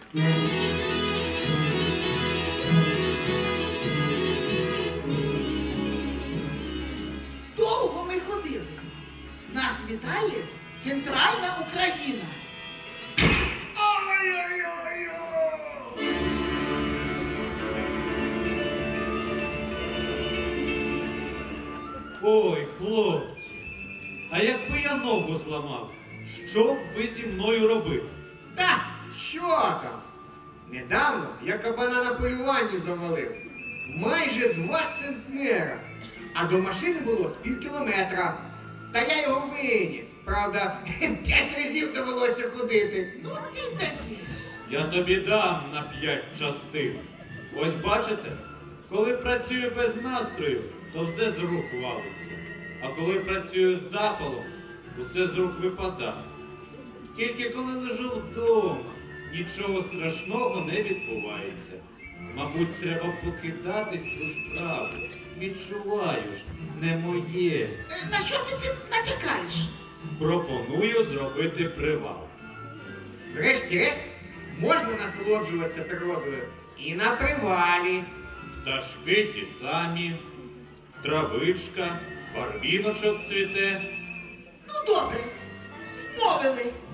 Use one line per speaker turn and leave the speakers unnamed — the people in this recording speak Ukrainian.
Довго ми ходили. Нас вітає центральна Україна.
Ой-ой-ой-ой!
Ой, хлопці, а якби я ногу зламав, що б ви зі мною робили?
Та, що там? Недавно я кабана на полюванні завалив. Майже 2 центнера. А до машини було з півкілометра. Та я його виніс. Правда, 5 разів довелося ходити.
Ну ти такий.
Я тобі дам на 5 частин. Ось бачите, коли працюю без настрою, то все з рук валиться. А коли працюю з запалом, усе з рук випадає. Тільки коли лежу вдома, нічого страшного не відбувається. Мабуть, треба покидати цю справу. Відчуваю ж, не моє.
На що ти натякаєш?
Пропоную зробити привал.
Врешті-решт, можна насолоджуватися природою і на привалі.
Пташки ті самі, травичка, барвіночок цвіте.
Ну добре, вмовили.